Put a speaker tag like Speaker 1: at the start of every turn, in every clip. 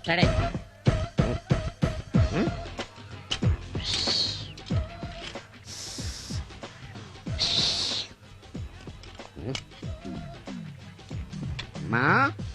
Speaker 1: Study. మా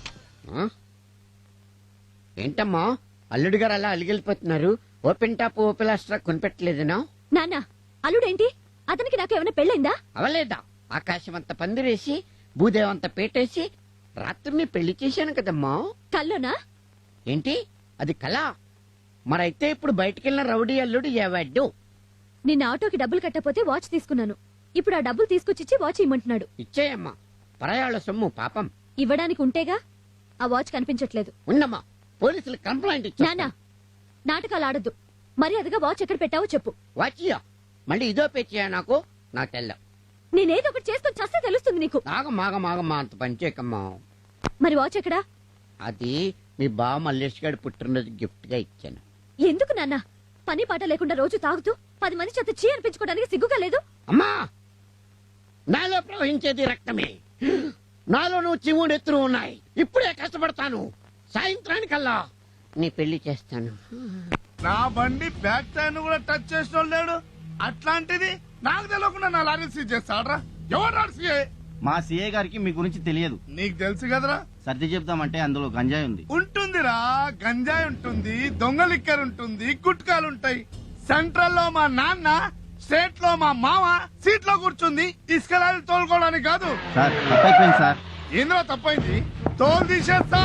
Speaker 1: ఏంటమ్మా అల్లుడు గారు అలా అలిగిలిపోతున్నారు? ఓపెన్ టాప్ ఓపెన్ లాస్ట్రా కొనిపెట్టలేదనా?
Speaker 2: నాన్న అల్లుడేంటి? అతనికి నాకు ఏమైనా పెళ్ళైందా?
Speaker 1: అవలేదా? ఆకాశం అంత పందిరేసి భూదేవంత పేటేసి రాత్రిని పెళ్లి చేశాను కదమ్మా.
Speaker 2: కల్లోనా?
Speaker 1: ఏంటి అది కళ? మరైతే ఇప్పుడు బయటికెళ్ళిన రౌడీ అల్లుడు ఏవాడు?
Speaker 2: నిన్న ఆటోకి డబ్బులు కట్టపోతే వాచ్ తీసుకున్నాను. ఇప్పుడు ఆ డబ్బులు తీసుకొచ్చిచ్చి వాచ్ ఇమ్మంటున్నాడు.
Speaker 1: ఇచ్చేయమ్మా, పరాయాళ్ళ సొమ్ము పాపం.
Speaker 2: ఇవ్వడానికి ఉంటేగా. ఆ వాచ్ కనిపించట్లేదు.
Speaker 1: ఉన్నమ్మా, పోలీసులు కంప్లైంట్ ఇచ్చా.
Speaker 2: నాన్న నాటకాలు ఆడద్దు. మర్యాదగా వాచ్ ఎక్కడ పెట్టావో చెప్పు.
Speaker 1: వాచియా మళ్ళీ ఇదో పేచియా? నాకు తెల్ల.
Speaker 2: నేనేదో ఒకటి చేసుకుని చస్తే తెలుస్తుంది నీకు.
Speaker 1: మాగమాగమాగమ్మా, అంత పనిచేయకమ్మా.
Speaker 2: మరి వాచ్ ఎక్కడా?
Speaker 1: అది మీ బావ మల్లేష్ గారి పుట్టినరోజు గిఫ్ట్ గా ఇచ్చాను.
Speaker 2: ఎందుకు నాన్న? పని పాట లేకుండా రోజు తాగుతూ 10 మంది చేత చీ అనిపించుకోవడానికి సిగ్గుగా లేదు?
Speaker 1: అమ్మా, నాలో ప్రవహించేది రక్తమే. నాలో నువ్వు చివుడెత్తులు ఉన్నాయి. ఇప్పుడే కష్టపడతాను. సాయంత్రానికల్లా నీ పెళ్లి చేస్తాను.
Speaker 3: నా బండి బ్యాక్ టైర్ కూడా టచ్ చేసిన లేడు. అట్లాంటిది నాకు తెలియకుండా నా లారీ సీజ్ చేస్తాడ్రా. ఎవరు సీఏ?
Speaker 4: మా సీఏ గారికి మీ గురించి తెలియదు.
Speaker 3: నీకు తెలుసు కదరా.
Speaker 4: సర్ది చెప్తామంటే అందులో గంజాయి ఉంది.
Speaker 3: ఉంటుందిరా, గంజాయి ఉంటుంది, దొంగ లిక్కర్ ఉంటుంది, గుట్కాలుంటాయి. సెంట్రల్ లో మా నాన్న, స్టేట్ లో మా మామ సీట్ లో కూర్చుంది ఇసుక లారీ తోలుకోవడానికి కాదు.
Speaker 4: సార్ తప్పైపోయింది సార్.
Speaker 3: ఏంద్రా తప్పైంది? తోలు తీసేస్తా.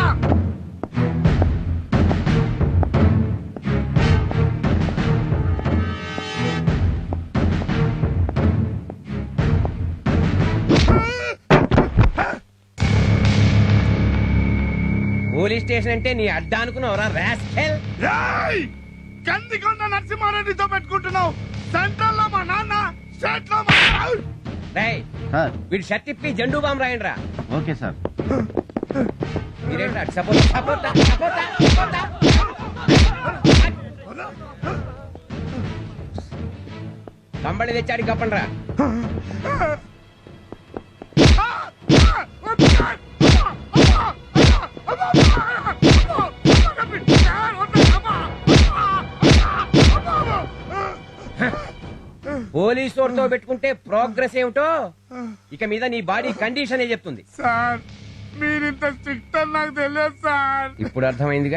Speaker 5: పోలీస్ స్టేషన్ అంటే నీ అడ్డా అనుకున్నావురా రాస్కెల్.
Speaker 3: కందికొండ నరసింహారెడ్డితో పెట్టుకుంటున్నావు. సెంట్రల్ లో మా నాన్న, స్టేట్ లో మా
Speaker 5: రేయ్,
Speaker 4: సార్
Speaker 5: వీడు షర్ట్ ఇప్పి జెండూ బాంబు రాయండి రా.
Speaker 4: Okay sir.
Speaker 5: మీరేంట్రా సపోర్ట్ సపోర్ట్ సపోర్ట్ కంబళి తెచ్చాడు కప్పండి రా. పోలీసు వాడితో పెట్టుకుంటే ప్రోగ్రెస్ ఏమిటో ఇక మీద నీ బాడీ కండిషన్ ఏ చెప్తుంది.
Speaker 3: సార్ మీరింత స్ట్రిక్ట్ అని నాకు తెలియదు సార్.
Speaker 5: ఇప్పుడు అర్థమైందిగా.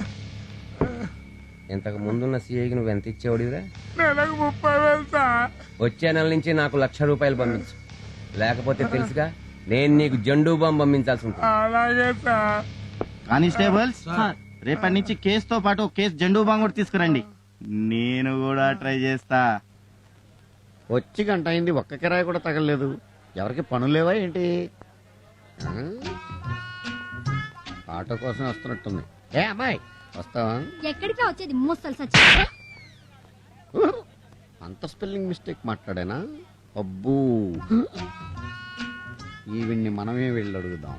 Speaker 5: ఇంతకు ముందున్న సీఐకి నువ్వు ఎంత ఇచ్చేవాడివిరా?
Speaker 3: నెలకు 30,000 సార్.
Speaker 5: వచ్చే నెల నుంచి నాకు ₹1,00,000 పంపించు. లేకపోతే తెలుసుగా నేను నీకు జెండూ బాంబు పంపించాల్సి ఉంటుంది.
Speaker 3: అలాగే సార్.
Speaker 4: కానిస్టేబుల్స్, రేపటి నుంచి కేసుతో పాటు కేసు జెండూ బాంబు కూడా తీసుకురండి. నేను కూడా ట్రై చేస్తా.
Speaker 1: వచ్చి గంట అయింది, ఒక్క కిరాయి కూడా తగలలేదు. ఎవరికి పనులేవా ఏంటి? ఆటో కోసం వస్తున్నట్టుంది. ఏ అమ్మాయి వస్తావా?
Speaker 2: ఎక్కడికి వచ్చేది? ముసలి సచ్చి.
Speaker 1: అంత స్పెల్లింగ్ మిస్టేక్ మాట్లాడానా? అబ్బూ, ఈవిడ్ని మనమే వెళ్ళి అడుగుదాం.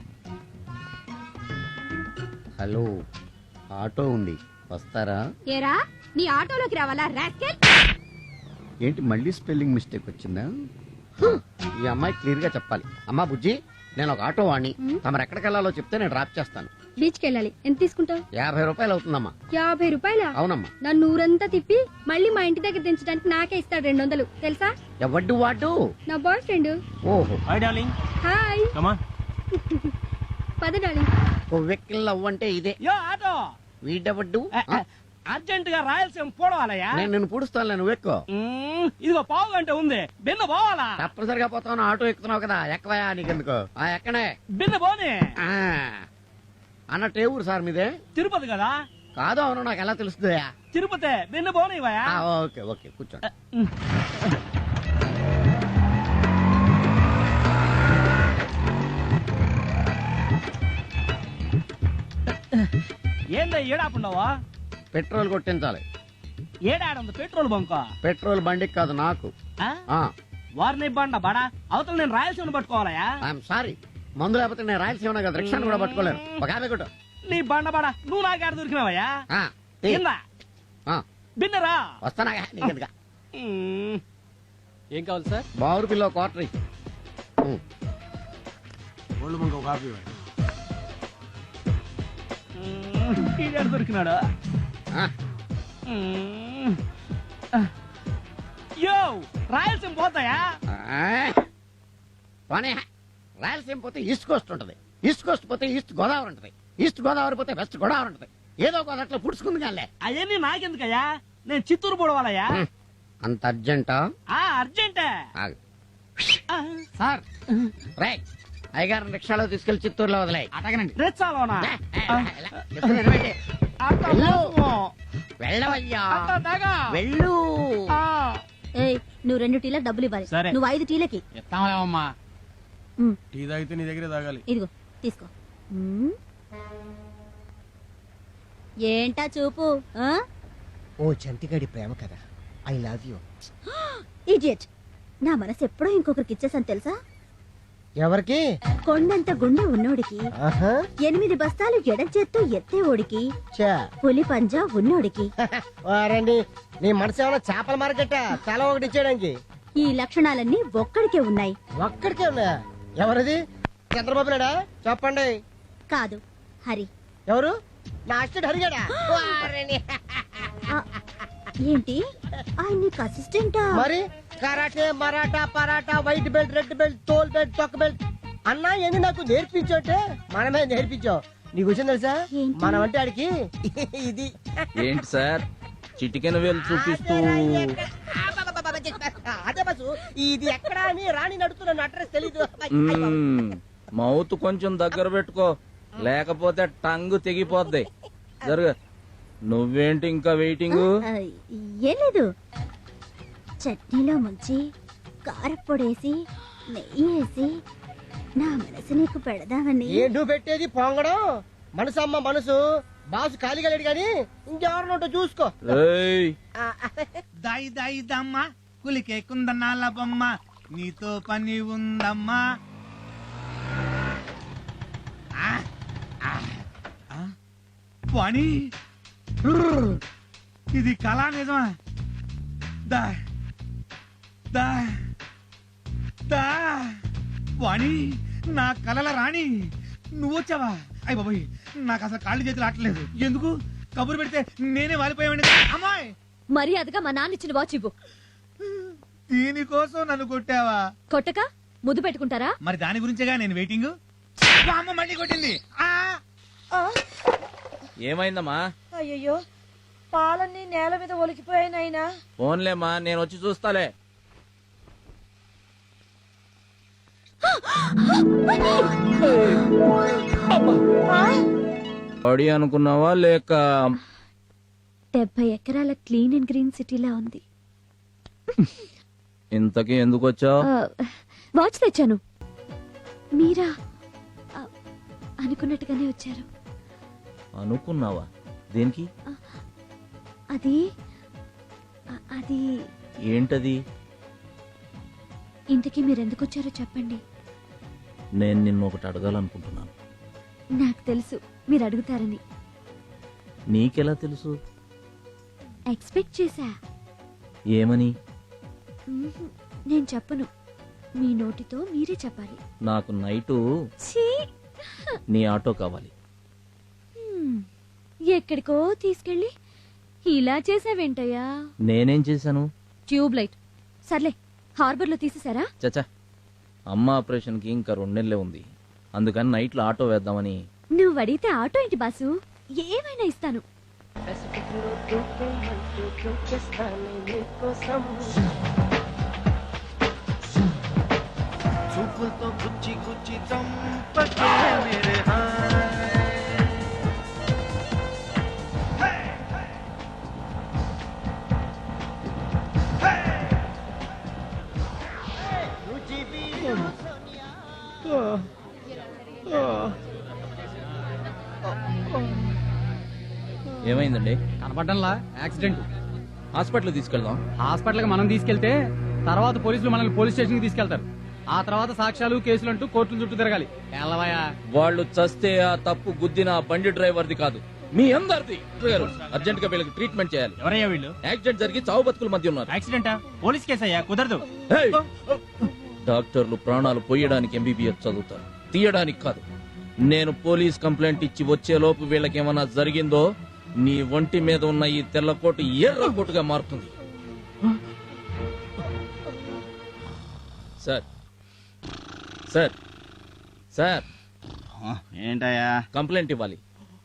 Speaker 1: హలో, ఆటో ఉంది, వస్తారా?
Speaker 2: ఏరా నీ ఆటోలోకి రావాలా రాస్కెల్?
Speaker 1: ఏంటి మళ్ళీ స్పెల్లింగ్ మిస్టేక్ వచ్చిందా? ఈ అమ్మాయి క్లియర్ గా చెప్పాలి. అమ్మా బుజ్జి, నేను ఒక ఆటో వాణ్ణి. తమరు ఎక్కడికి వెళ్ళాలో చెప్తే నేను డ్రాప్ చేస్తాను.
Speaker 2: బీచ్ కి వెళ్ళాలి. ఎంత తీసుకుంటావు?
Speaker 1: ₹50 అవుతుందమ్మా.
Speaker 2: ₹50?
Speaker 1: అవునమ్మా.
Speaker 2: నన్ను ఊరంతా తిప్పి మళ్ళీ మా ఇంటి దగ్గర దించడానికి నాకే ఇస్తాడు 200 తెలుసా?
Speaker 1: ఎవడ్డు వాడు?
Speaker 2: నా బాయ్ ఫ్రెండ్.
Speaker 1: ఓహో,
Speaker 4: hi darling.
Speaker 2: Hi.
Speaker 4: Come on.
Speaker 2: పద డార్లింగ్.
Speaker 1: వెక్కిల్ అవ్వంటే ఇదే.
Speaker 6: Yo auto
Speaker 1: వీడెవడ్డు?
Speaker 6: అర్జెంట్ గా రాయలసీమ పోవాలయ్యా.
Speaker 1: నేను నిన్ను పూడుస్తాను, నువ్వు ఎక్కువ.
Speaker 6: ఇదిగో పావు గంట ఉంది, బిన్న పోవాలా?
Speaker 1: తప్పనిసరిగా పోతాను. ఆటో ఎక్కుతున్నావు కదా, ఎక్కవయా నీకెందుకు? ఎక్కడే
Speaker 6: బిన్న పోనీ.
Speaker 1: అన్నట్టు ఏ ఊరు సార్ మీదే?
Speaker 6: తిరుపతి కదా.
Speaker 1: కాదు, అవును, నాకు ఎలా తెలుస్తుందా?
Speaker 6: తిరుపతి బిన్న పోనీవయ్యా.
Speaker 1: ఓకే ఓకే, కూర్చోండి.
Speaker 6: ఏందా ఏడాపున్నావా?
Speaker 1: పెట్రోల్ కొట్టించాలి.
Speaker 6: ఏడాడుంది పెట్రోల్ బంక్?
Speaker 1: పెట్రోల్ బండికి కాదు, నాకు.
Speaker 6: వారిని బండ బడా అవతల నేను రాయలసీమ పట్టుకోవాలయా?
Speaker 1: ఐఎమ్ సారీ, మందు లేకపోతే నేను రాయలసీమ కదా, రిక్షాను కూడా పట్టుకోలేను. ఒక యాభై కొట్టు.
Speaker 6: నీ బండ బడా నువ్వు నాకేడ దొరికినావయ్యా? బిన్నరా
Speaker 1: వస్తానా నీకెందుగా?
Speaker 6: ఏం కావాలి సార్?
Speaker 1: బావురు పిల్ల క్వార్టర్.
Speaker 6: ఈడాడు దొరికినాడా?
Speaker 1: ఆ,
Speaker 6: యో రాయలసీమ పోతాయా?
Speaker 1: ఆ. పోనీ రాయలసీమ పోతే ఈస్ట్ కోస్ట్ ఉంటది, ఈస్ట్ కోస్ట్ పోతే ఈస్ట్ గోదావరి ఉంటది, ఈస్ట్ గోదావరి పోతే వెస్ట్ గోదావరి ఉంటది. ఏదో ఒక అట్లా పుడుచుకుంది కానీ
Speaker 6: అవన్నీ నాకెందుకయ్యా? నేను చిత్తూరు పోవాలయ్యా.
Speaker 1: అంత అర్జెంటా?
Speaker 6: అర్జెంటే.
Speaker 1: ఆగు.
Speaker 6: ఆ,
Speaker 1: సార్ రేయ్, అయ్యగారిని రిక్షాలో తీసుకెళ్లి చిత్తూరులో వదిలేయ్.
Speaker 6: రెచ్చాలోనా?
Speaker 1: చెప్తున్నా వినవండి.
Speaker 6: అట్ట
Speaker 1: వెళ్ళు.
Speaker 6: మోసమో.
Speaker 1: వెళ్ళవయ్యా,
Speaker 6: అట్ట తెగ.
Speaker 1: వెళ్ళు.
Speaker 6: ఆ,
Speaker 2: ఏయ్ నువ్వు 2 టీలకు డబ్బులు ఇవ్వాలి.
Speaker 6: సరే.
Speaker 2: నువ్వు 5 టీలకి.
Speaker 6: ఇస్తాంలేవమ్మా.
Speaker 2: ఉమ్,
Speaker 3: టీ తాగితే నీ దగ్గరే తాగాలి.
Speaker 2: ఇదిగో తీసుకో. ఉమ్. ఏంటా చూపు?
Speaker 7: ఓ చంటిగాడి ప్రేమ కదా, ఐ లవ్ యూ.
Speaker 2: ఇడియట్. నా మనసు ఎప్పుడో ఇంకొకరికి ఇచ్చేసాను తెలుసా?
Speaker 7: ఎవరికి?
Speaker 2: కొండంత గుండె ఉన్నోడికి,
Speaker 7: ఆహా,
Speaker 2: 8 బస్తాలు ఎడం చేత్తో ఎత్తేవోడికి,
Speaker 7: చా.
Speaker 2: పులి పంజా ఉన్నోడికి.
Speaker 7: వారండి, నీ మనసు ఏమైనా చేపల మార్కెట్ తల ఒకటి ఇచ్చేయడానికి?
Speaker 2: ఈ లక్షణాలన్నీ ఒక్కడికే ఉన్నాయి.
Speaker 7: ఒక్కడికే ఉన్నాయా? ఎవరిది? చంద్రబాబు నాయుడా? చెప్పండి.
Speaker 2: కాదు, హరి.
Speaker 7: ఎవరు? నా అసిస్టెంట్ హరిగాడా? వారిని.
Speaker 2: ఆ, ఏంటి ఆయన నీకు అసిస్టెంటా?
Speaker 7: మరి karate, Maratha, paratha, white belt, red belt, తోల్ బెల్ట్, తొక్క బెల్ట్ అన్నా ఎన్ని నాకు నేర్పించోటే మనమే నేర్పించావు. నీకు వచ్చింది తెలుసా?
Speaker 2: ఏంటి?
Speaker 7: మనం అంటే ఆడికి ఇది.
Speaker 8: ఏంటి సార్ చిటికెన వేలు చూపిస్తూ
Speaker 7: అదే బస్సు, ఇది ఎక్కడా అని రాణి నడుతున్న అడ్రస్ తెలీదు.
Speaker 8: మౌత్ కొంచెం దగ్గర పెట్టుకో లేకపోతే టంగు తెగిపోద్ది. జరుగు. నువ్వేంటి ఇంకా వెయిటింగ్?
Speaker 2: ఆ, ఏం లేదు. చట్నీలో ముంచి కారప్పొడేసి నెయ్యి వేసి నా మనసు నీకు పెడదామని.
Speaker 7: ఏ నువ్వు పెట్టేది పొంగడం? మనసు అమ్మ మనసు. బాసు ఖాళీగా లేడు గాని ఇంకెవరినోటో చూసుకో.
Speaker 8: ఏయ్,
Speaker 3: దాయి దాయి దమ్మ కులికే కుందనాల బొమ్మ నీతో పని ఉందమ్మా. ఆ, ఆ, ఆ, పని ఇది కళా నిజమా? దా దా దా వాణి, నా కలల రాణి నువ్వొచ్చావా? అయ్య బాబోయ్, నాకు అసలు కాళ్ళు చేతులు ఆటలేదు. ఎందుకు కబురు పెడితే నేనే వాలిపోయావండి. అమ్మాయి,
Speaker 2: మర్యాదగా మా నాన్న ఇచ్చిన వాచ్ ఇవ్వు.
Speaker 3: దీనికోసం నన్ను కొట్టావా?
Speaker 2: కొట్టక ముద్దు పెట్టుకుంటారా?
Speaker 3: మరి దాని గురించేగా నేను వెయిటింగ్. అమ్మ మళ్ళీ కొట్టింది. ఆ
Speaker 8: ఏమైందమ్మా?
Speaker 9: అయ్యయ్యో, పాలన్నీ నేల మీద ఒలికిపోయాయి నాయనా.
Speaker 8: ఫోన్లేమ్మా, నేను వచ్చి చూస్తాలే. బాడీ అనుకున్నావా లేక?
Speaker 2: 70 ఎకరాల క్లీన్ అండ్ గ్రీన్ సిటీలా ఉంది.
Speaker 8: ఇంతకీ ఎందుకు వచ్చావు?
Speaker 2: వాచ్ తెచ్చాను. మీరా? ఆ, అనుకున్నట్టుగానే వచ్చారు.
Speaker 8: అనుకున్నావా? దేనికి?
Speaker 2: అది అది
Speaker 8: ఏంటది?
Speaker 2: ఇంతకీ మీరెందుకు వచ్చారో చెప్పండి.
Speaker 8: నేను నిన్ను ఒకటి అడగాలనుకుంటున్నాను.
Speaker 2: నాకు తెలుసు మీరు అడుగుతారని.
Speaker 8: నీకెలా తెలుసు?
Speaker 2: ఎక్స్పెక్ట్ చేశా.
Speaker 8: ఏమని?
Speaker 2: నేను చెప్పను, మీ నోటితో మీరే చెప్పాలి.
Speaker 8: నాకు నైటు
Speaker 2: ఛీ!
Speaker 8: నీ ఆటో కావాలి.
Speaker 2: ఎక్కడికో తీసుకెళ్ళి ఇలా చేసావేంటయ్యా?
Speaker 8: నేనేం చేశాను?
Speaker 2: Tube light. సర్లే, హార్బర్ లో తీసేసారా?
Speaker 8: చచ్చా, అమ్మ ఆపరేషన్ కి ఇంకా 2 నెలలే ఉంది. అందుకని నైట్ లో ఆటో వేద్దామని.
Speaker 2: నువ్వు అడిగితే ఆటో ఏంటి బాసు, ఏమైనా ఇస్తాను.
Speaker 4: చూపులతో గుచ్చి గుచ్చి చంపకే మేరే హాయ్.
Speaker 8: ఏమైందండి?
Speaker 6: కనపడ్డంలా యాక్సిడెంట్.
Speaker 8: హాస్పిటల్ తీసుకెళ్దాం.
Speaker 6: హాస్పిటల్ కి మనం తీసుకెళ్తే తర్వాత పోలీసులు మనల్ని పోలీస్ స్టేషన్ కి తీసుకెళ్తారు. ఆ తర్వాత సాక్ష్యాలు కేసులు అంటూ కోర్టుల చుట్టూ తిరగాలి. ఎల్లవయ్యా,
Speaker 8: వాళ్ళు చస్తే ఆ తప్పు గుద్దిన ఆ బండి డ్రైవర్ది కాదు, మీ అందరిది. అర్జెంట్ గా వీళ్ళకి ట్రీట్మెంట్ చేయాలి.
Speaker 6: ఎవరయ్యా వీళ్ళు?
Speaker 8: యాక్సిడెంట్ జరిగి చావు బతుకుల మధ్య ఉన్నారు.
Speaker 6: యాక్సిడెంటా? పోలీస్ కేసు అయ్యా, కుదరదు.
Speaker 8: డాక్టర్లు ప్రాణాలు పోయడానికి ఎంబీబీఎస్ చదువుతారు, తీయడానికి కాదు. నేను పోలీస్ కంప్లైంట్ ఇచ్చి వచ్చేలోపు వీళ్ళకేమన్నా జరిగిందో నీ ఒంటి మీద ఉన్న ఈ తెల్ల కోటు ఎర్ర కోటుగా మారుతుంది. సార్ సార్ సార్
Speaker 4: ఏంటయ్యా?
Speaker 8: కంప్లైంట్ ఇవ్వాలి.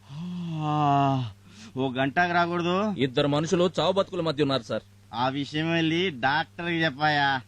Speaker 4: ఓ గంటకు రాకూడదు?
Speaker 8: 2 మనుషులు చావు బతుకుల మధ్య ఉన్నారు సార్.
Speaker 4: ఆ విషయం వెళ్ళి డాక్టర్కి చెప్పాయా?